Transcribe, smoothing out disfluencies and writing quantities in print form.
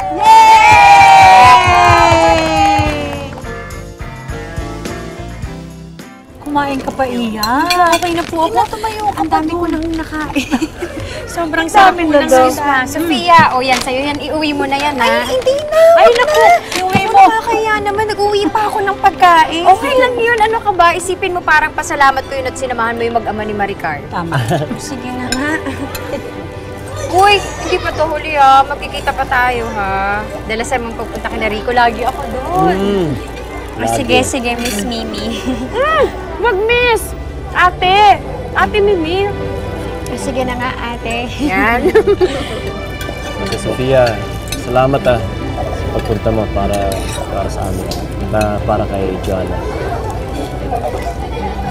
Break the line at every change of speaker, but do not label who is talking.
Kumain ka pa, Iya.
Okay na po ako.
Tumayo ka
Ang
pa
dami ko
doon.
nang nakain. Sobrang sarap po ng sauce. Sophia, o yan, sa'yo yan. Iuwi mo na yan, ha? Ay, hindi na.
Ay, naku! Iuwi mo!
Kaya naman, nag-uwi pa ako ng pagkain. Okay lang yun. Ano ka ba? Isipin mo parang pasalamat ko yun at sinamahan mo yung mag-ama ni Maricar.
Tama.
Sige na nga. Uy, hindi pa to huli, ha? Magkikita pa tayo, ha? Dalasan mong pagpunta kina Rico. Lagi ako doon. Sige, Miss Mimi.
Wag, miss! Ate! Ate Mimi!
Sige na nga, ate. Yan.
Ate Sofia, salamat sa pagpunta mo para sa amin. Para kay Joanna.